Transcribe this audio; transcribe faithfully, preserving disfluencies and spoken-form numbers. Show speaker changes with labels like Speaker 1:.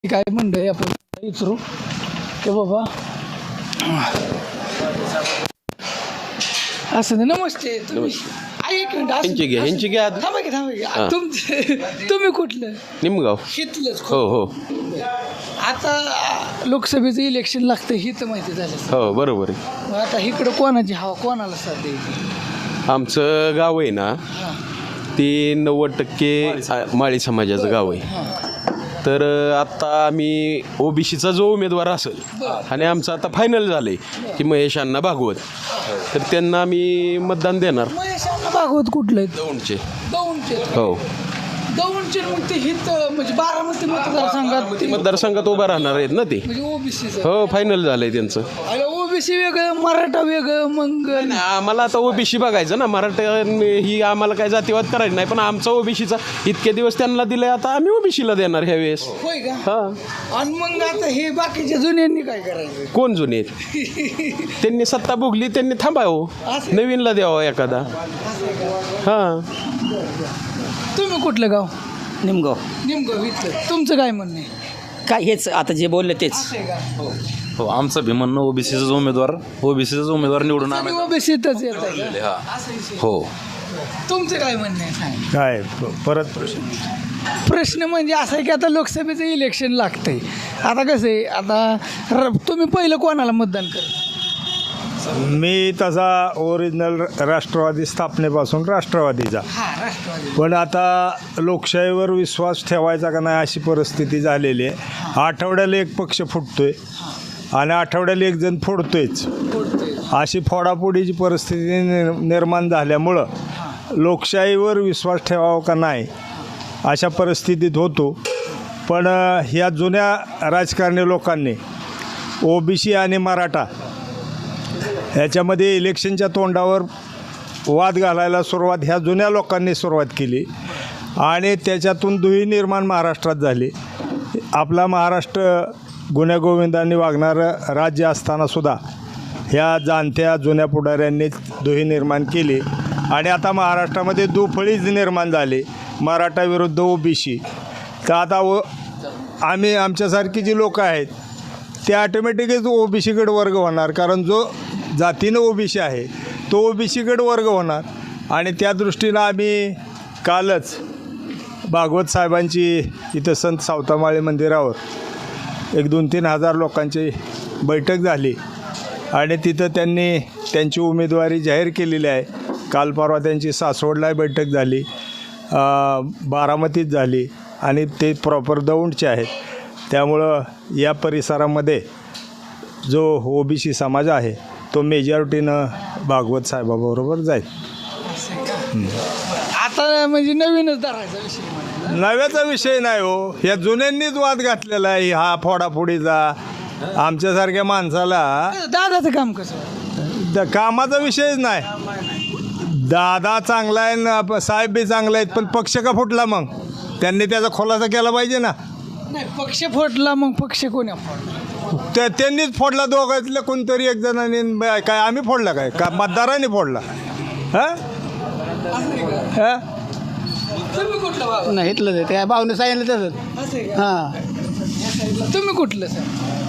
Speaker 1: काय म्हणतंय आपण विचारू की बाबा असं नाही. नमस्ते. तुम्ही ऐक मिनिट असं-
Speaker 2: ह्यांची घ्या, ह्यांची घ्या.
Speaker 1: थांबा की थांबा की तुमचे तुम्ही कुठलं
Speaker 2: निमगाव.
Speaker 1: हितलंच
Speaker 2: हो हो
Speaker 1: आता आ, लोकसभेचं इलेक्शन लागतं ही तर माहिती झालं.
Speaker 2: हो बरोबर आहे.
Speaker 1: मग आता इकडं कोणाची हवा कोणाला साथ द्यायची?
Speaker 2: आमचं गाव आहे ना
Speaker 1: हां
Speaker 2: ते नव्वद टक्के माळी समाजाचं गाव आहे.
Speaker 1: हां
Speaker 2: तर आत्ता आम्ही ओबीसीचा जो उमेदवार असेल आणि आमचं आता फायनल झालं आहे की महेश अण्णा भागवत, तर त्यांना आम्ही मतदान देणार.
Speaker 1: महेश अण्णा भागवत कुठलं आहेत?
Speaker 2: दौंडचे.
Speaker 1: दौंडचे.
Speaker 2: हो
Speaker 1: दौंडचे मग ते हित म्हणजे बारामती मतदारसंघात ते-
Speaker 2: मतदारसंघात उभा राहणार आहेत ना ते.
Speaker 1: म्हणजे ओबीसीचं
Speaker 2: हो फायनल झालं आहे त्यांचं.
Speaker 1: अरे ओबीसी वेगळं मराठा वेगळं मग
Speaker 2: आम्हाला आता ओबीसी बघायचं ना, मराठा ही आम्हाला काय जातीवाद करायचं नाही, पण आमचा ओबीसीचा इतके दिवस त्यांना दिले, आता आम्ही ओबीसीला देणार ह्या वेळेस.
Speaker 1: होय का?
Speaker 2: हा.
Speaker 1: आणि मग आता हे बाकीच्या जुन्यांनी काय करायचं?
Speaker 2: कोण जुने आहेत? त्यांनी सत्ता भोगली, त्यांनी थांबावं,
Speaker 1: असं.
Speaker 2: नवीनला द्यावं एखादा. हां
Speaker 1: तुम्ही कुठलं गाव?
Speaker 3: निमगाव.
Speaker 1: निमगाव इथलं. तुमचं काय म्हणणं आहे?
Speaker 3: काय हेच आता जे बोलले तेच.
Speaker 1: असं आहे का?
Speaker 4: हो आमचं भी म्हणणं ओबीसीचा उमेदवार ओबीसीचाच उमेदवार निवडून
Speaker 1: तुम्ही
Speaker 4: आणायचा.
Speaker 1: ओबीसीतच येत आहे का? असं विषय.
Speaker 4: हो
Speaker 1: तुमचं काय म्हणणं आहे सांग.
Speaker 5: काय प- परत प्रश्न
Speaker 1: प्रश्न म्हणजे असा आहे की आता लोकसभेचं इलेक्शन लागतंय. आता कसं आहे, आता र- तुम्ही पहिलं कोणाला मतदान करता?
Speaker 5: मी तसा ओरिजिनल राष्ट्रवादी स्थापनेपासून राष्ट्रवादीचा,
Speaker 1: हा राष्ट्रवादी.
Speaker 5: पण आता लोकशाहीवर विश्वास ठेवायचा का नाही अशी परिस्थिती झालेली आहे. आठवड्याला एक पक्ष फुटतोय आणि आठवड्याला एक जण फोडतोयच. अशी फोडाफोडीची परिस्थिती निर निर्माण झाल्यामुळं लोकशाहीवर विश्वास ठेवावा का नाही अशा परिस्थितीत होतो. पण अ, ह्या जुन्या राजकारणी लोकांनी ओबीसी आणि मराठा ह्याच्यामध्ये इलेक्शनच्या तोंडावर वाद घालायला सुरुवात ह्या जुन्या लोकांनी सुरुवात केली आणि त्याच्यातून दुही निर्माण महाराष्ट्रात झाली. आपला महाराष्ट्र गुण्यागोविंदांनी वागणारं राज्य असतानासुद्धा ह्या जाणत्या जुन्या पुढाऱ्यांनी दुही निर्माण केली आणि आता महाराष्ट्रामध्ये दुफळीच निर्माण झाली, मराठा विरुद्ध ओबीसी. तर आता ओ आम्ही आमच्यासारखी जी लोकं आहेत ते ऑटोमॅटिकच ओबीसीकडे वर्ग होणार, कारण जो जातीनं ओबीसी आहे तो ओबीसीकडे वर्ग होणार. आणि त्या दृष्टीनं आम्ही कालच भागवत साहेबांची इथं संत सावतामाळी मंदिरावर एक दोन तीन हजार लोकांची बैठक झाली आणि तिथं त्यांनी त्यांची उमेदवारी जाहीर केलेली आहे. काल परवा त्यांची सासवडला बैठक झाली, बारामतीत झाली आणि ते प्रॉपर दौंडचे आहेत. त्यामुळं या परिसरामध्ये जो ओबीसी समाज आहे तो मेजॉरिटीनं भागवत साहेबाबरोबर जाईल.
Speaker 1: आता म्हणजे नवीनच धरायचा विषय म्हणायचा.
Speaker 5: नव्याचा विषय नाही हो, या जुन्यांनीच वाद घातलेला आहे हा फोडाफोडीचा. आमच्यासारख्या माणसाला
Speaker 1: दादाचं काम कसं?
Speaker 5: द कामाचा विषयच नाही. दादा चांगला आहे ना, साहेब बी चांगला आहेत, पण पक्ष का फुटला मग? त्यांनी त्याचा खुलासा केला पाहिजे ना.
Speaker 1: नाही पक्ष फोडला, मग पक्ष कोणी फोडला?
Speaker 5: त्या त्यांनीच फोडला, दोघांतल्या कोणतरी एक जणांनी. काय आम्ही फोडला काय का मतदारांनी फोडला? हां हां
Speaker 1: तुम्ही कुठलं बाबा?
Speaker 3: नाही इथलं ते काय भावने सांगितलं तसंच.
Speaker 1: असं आहे का?
Speaker 3: हां
Speaker 1: तुम्ही कुठलं सर?